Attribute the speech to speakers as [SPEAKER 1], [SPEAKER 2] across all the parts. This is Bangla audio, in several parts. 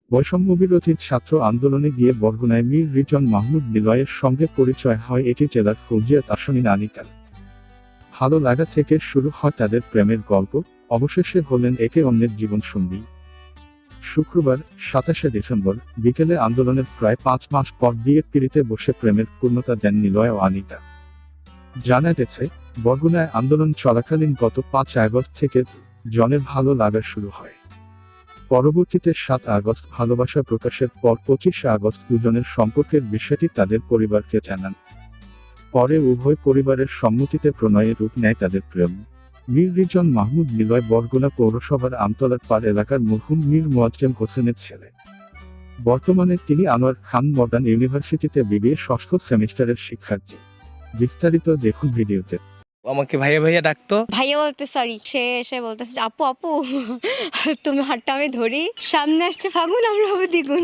[SPEAKER 1] বৈষম্যবিরোধী ছাত্র আন্দোলনে গিয়ে বরগুনায় মীর রিজন মাহমুদ নিলয়ের সঙ্গে পরিচয় হয় এটি জেলার ফৌজিয়াত আসনিন আনিকার। ভালো লাগা থেকে শুরু হয় তাদের প্রেমের গল্প, অবশেষে হলেন একে অন্যের জীবনসঙ্গী। শুক্রবার ২৭শে ডিসেম্বর বিকেলে আন্দোলনের প্রায় ৫ মাস পর বিয়ের পিঁড়িতে বসে প্রেমের পূর্ণতা দেন নিলয় ও আনিকা। জানা গেছে, বরগুনায় আন্দোলন চলাকালীন গত ৫ আগস্ট থেকে জনের ভালো লাগা শুরু হয়। পরবর্তীতে ৭ আগস্ট ভালোবাসা প্রকাশের পর ২৫ আগস্ট দুজনের সম্পর্কের বিষয়টি তাদের পরিবারকে জানান। পরে উভয় পরিবারের সম্মতিতে প্রণয়ে রূপ নেয় তাদের প্রেম। মীর রিজন মাহমুদ নিলয় বরগুনা পৌরসভার আমতলার পার এলাকার মরহুম মীর মোয়াজ্জেম হোসেনের ছেলে। বর্তমানে তিনি আনোয়ার খান মডার্ন ইউনিভার্সিটিতে বিবিএ ষষ্ঠ সেমিস্টারের শিক্ষার্থী। বিস্তারিত দেখুন ভিডিওতে।
[SPEAKER 2] আমাকে ভাইয়া ভাইয়া ডাকতো।
[SPEAKER 3] ভাইয়া বলতে সরি, সে এসে বলতেছে আপু আপু তুমি হাতটা আমি ধরি, সামনে আসছে ফাগুন, আমরা হবো দ্বিগুণ।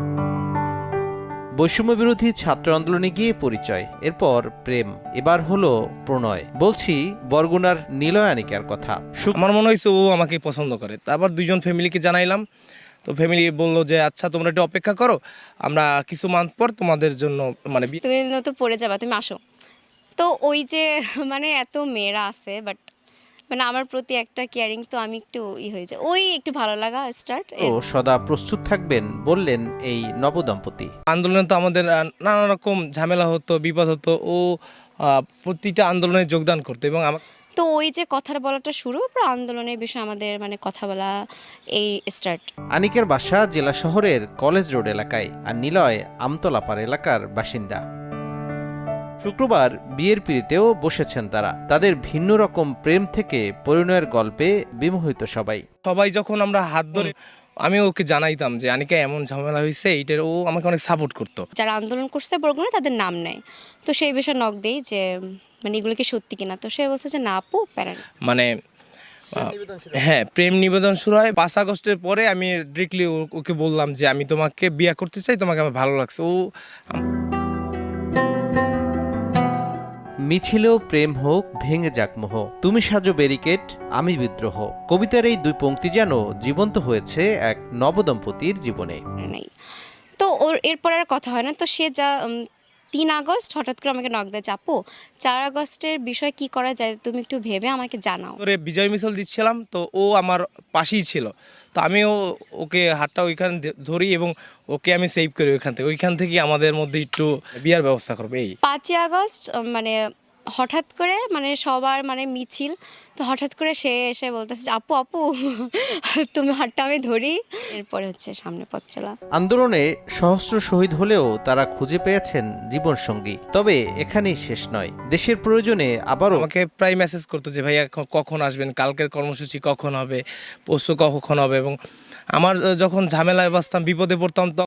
[SPEAKER 4] বৈষম্যবিরোধী ছাত্র আন্দোলনে গিয়ে পরিচয়, এরপর প্রেম, এবার হলো প্রণয়। বলছি বরগুনার নিলয় আনিকার কথা।
[SPEAKER 2] আমার মনে হয়েছে ও আমাকে পছন্দ করে। তারপর দুজন ফ্যামিলিকে জানাইলাম, তো ফ্যামিলি বললো যে আচ্ছা তোমরা একটু অপেক্ষা করো, আমরা কিছু মান্থ পর তোমাদের জন্য মানে
[SPEAKER 3] তুমি তো পড়ে যাবা, তুমি আসো। তো ওই যে মানে এত মেয়েরা আছে, বাট মানে আমার প্রতি একটা কেয়ারিং, তো আমি একটু হয়ে যায়, ওই একটু ভালো লাগা স্টার্ট।
[SPEAKER 4] ও সদা প্রস্তুত থাকবেন বললেন এই নবদম্পতি।
[SPEAKER 2] আন্দোলনে তো আমাদের নানা রকম ঝামেলা হতো, বিপদ হতো। ও প্রতিটা আন্দোলনে যোগদান করতো এবং আমার
[SPEAKER 3] তো ওই যে কথা বলাটা শুরু, পর আন্দোলনের বিষয়ে আমাদের মানে কথা বলা এই স্টার্ট।
[SPEAKER 4] আনিকের বাসা জেলা শহরের কলেজ রোড এলাকায়, আর নিলয় আমতলাপাড় এলাকার বাসিন্দা। শুক্রবার বিয়ের পিঁড়িতেও বসেছেন তারা। তাদের ভিন্ন রকম প্রেম থেকে পরিণয়ের গল্পে বিমোহিত সবাই।
[SPEAKER 2] সবাই যখন আমরা হাত ধরে, আমি ওকে জানাইতাম যে আনিকা এমন ঝামেলা হয়েছে, এইটার ও আমাকে অনেক সাপোর্ট করতো।
[SPEAKER 3] যারা আন্দোলন করছে বরগুনায় তাদের নাম নেয়, তো সেই বিষয়ে নক দেই যে মানে এগুলো কি সত্যি কিনা। তো সে বলছে যে না আপু প্যারা নেই।
[SPEAKER 2] মানে হ্যাঁ, প্রেম নিবেদন শুরু হয় ৫ আগস্টের পরে। আমি ডিরেক্টলি ওকে বললাম যে আমি তোমাকে বিয়ে করতে চাই, তোমাকে আমার ভালো লাগছে। ও
[SPEAKER 4] মিছিলেও প্রেম হোক, ভেঙে যাক মোহ, তুমি সাজো ব্যারিকেড, আমি বিদ্রোহ। কবিতার এই দুই পংক্তি যেন জীবন্ত হয়েছে এক নবদম্পতির জীবনে।
[SPEAKER 3] নাই, তো ওর এরপর আর কথা হয় না। তো সে যা ৩ আগস্ট হঠাৎ করে আমাকে নক দেয়, আপু ৪ আগস্টের বিষয় কি করা যায়, তুমি একটু ভেবে আমাকে জানাও।
[SPEAKER 2] ধরে বিজয় মিছিল দিচ্ছিলাম, তো ও আমার পাশেই ছিল। তো আমিও ওকে হাতটা ওইখানে ধরি এবং ওকে আমি সেভ করি ওইখান থেকে আমাদের মধ্যে একটু বিয়ার ব্যবস্থা করবো। এই
[SPEAKER 3] ৫ই আগস্ট মানে হঠাৎ করে মানে সবার মানে মিছিল, তো হঠাৎ করে সে এসে বলতেছে যে আপু আপু তুমি হাতটা আমি ধরি, এরপরে হচ্ছে সামনে পথ চলা।
[SPEAKER 4] আন্দোলনে সহস্র শহীদ হলেও তারা খুঁজে পেয়েছেন জীবনসঙ্গী। তবে এখানেই শেষ নয়, দেশের প্রয়োজনে আবারও
[SPEAKER 2] আমাকে প্রায় মেসেজ করতো যে ভাইয়া কখন আসবেন, কালকের কর্মসূচি কখন হবে, পরশু কখন হবে। এবং আমার যখন ঝামেলায় বাঁচতাম, বিপদে পড়তাম,